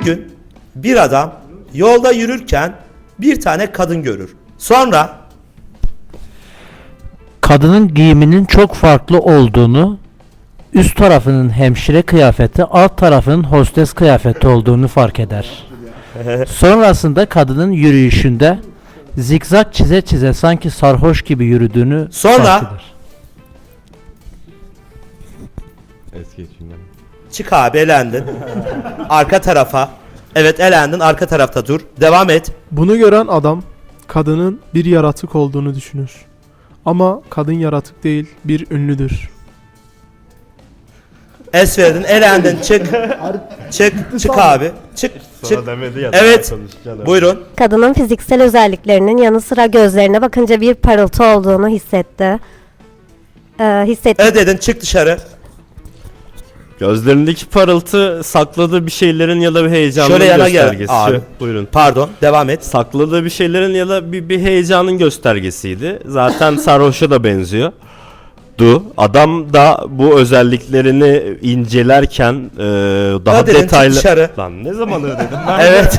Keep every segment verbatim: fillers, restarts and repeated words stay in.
gün bir adam yolda yürürken bir tane kadın görür. Sonra Kadının giyiminin çok farklı olduğunu, üst tarafının hemşire kıyafeti, alt tarafının hostes kıyafeti olduğunu fark eder. Sonrasında kadının yürüyüşünde zikzak çize çize sanki sarhoş gibi yürüdüğünü Sonra- fark eder. Eski içinden. çık abi, elendin. Arka tarafa. Evet, elendin, arka tarafta dur. Devam et. Bunu gören adam kadının bir yaratık olduğunu düşünür. Ama kadın yaratık değil, bir ünlüdür. Es verdin, elendin, çık. Çık, çık abi. Çık, çık. Sonra demedi ya. Evet. daha konuşacağım. Buyurun. Kadının fiziksel özelliklerinin yanı sıra gözlerine bakınca bir parıltı olduğunu hissetti. Ee, hissetti. E dedin, çık dışarı. Gözlerindeki parıltı sakladığı bir şeylerin ya da bir heyecanın Şöyle yana gel göstergesi. abi. Buyurun. Pardon, devam et. Sakladığı bir şeylerin ya da bir, bir heyecanın göstergesiydi. Zaten sarhoşa da benziyor. Du. Adam da bu özelliklerini incelerken e, daha Ödedin, çık detaylı... dışarı. Lan ne zaman ödedim ben? Evet.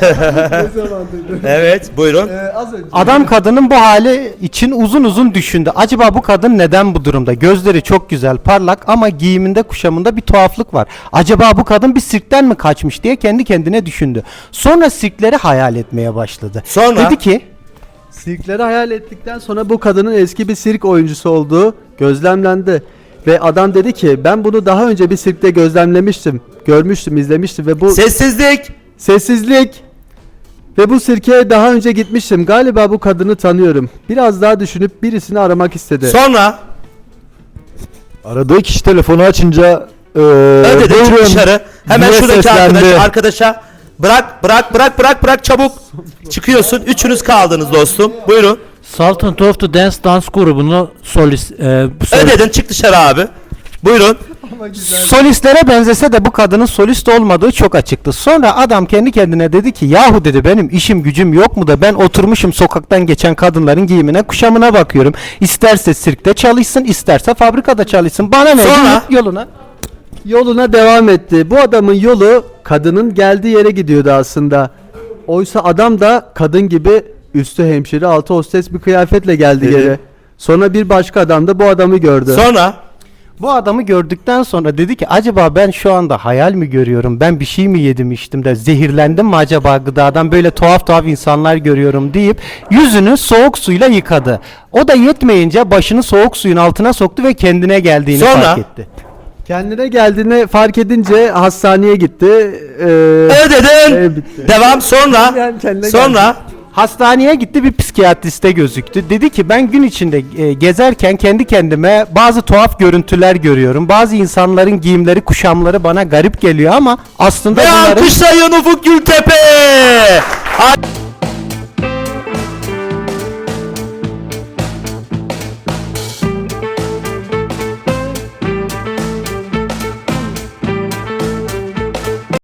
Evet, buyurun. Adam kadının bu hali için uzun uzun düşündü. Acaba bu kadın neden bu durumda? Gözleri çok güzel, parlak ama giyiminde, kuşamında bir tuhaflık var. Acaba bu kadın bir sirkten mi kaçmış diye kendi kendine düşündü. Sonra sirkleri hayal etmeye başladı. Sonra? Dedi ki, Sirkleri hayal ettikten sonra bu kadının eski bir sirk oyuncusu olduğu gözlemlendi. Ve adam dedi ki ben bunu daha önce bir sirkte gözlemlemiştim, görmüştüm, izlemiştim ve bu Sessizlik. sessizlik ve bu sirke daha önce gitmiştim. Galiba bu kadını tanıyorum. Biraz daha düşünüp birisini aramak istedi. Sonra Aradığı kişi telefonu açınca eee ödedin, çık buyurun dışarı. Hemen diye şuradaki seslendi. arkadaş, arkadaşa bırak, bırak, bırak, bırak, bırak, çabuk. Çıkıyorsun. Üçünüz kaldınız dostum. Buyurun. Sultan of the Dance Dance grubunu solist, e, bu solist- Ödedin, çık dışarı abi. Buyurun. solistlere benzese de bu kadının solist olmadığı çok açıktı. Sonra adam kendi kendine dedi ki, yahu dedi, benim işim gücüm yok mu da ben oturmuşum sokaktan geçen kadınların giyimine, kuşamına bakıyorum. İsterse sirkte çalışsın, isterse fabrikada çalışsın. Bana ne? Sonra? Git yoluna. Yoluna devam etti. Bu adamın yolu kadının geldiği yere gidiyordu aslında. Oysa adam da kadın gibi üstü hemşire altı hostes bir kıyafetle geldi Dedi. geri. Sonra bir başka adam da bu adamı gördü. Sonra Bu adamı gördükten sonra dedi ki, acaba ben şu anda hayal mi görüyorum? Ben bir şey mi yedim içtim de zehirlendim mi acaba gıdadan? Böyle tuhaf tuhaf insanlar görüyorum deyip yüzünü soğuk suyla yıkadı. O da yetmeyince başını soğuk suyun altına soktu ve kendine geldiğini Sonra? fark etti. Kendine geldiğini fark edince hastaneye gitti. Ee, ödedin. e, bitti. Devam. Sonra Yani kendine sonra Hastaneye gitti, bir psikiyatriste gözüktü. Dedi ki, ben gün içinde e, gezerken kendi kendime bazı tuhaf görüntüler görüyorum. Bazı insanların giyimleri, kuşamları bana garip geliyor ama aslında ve bunların... alkışlayın Ufuk Gültepe.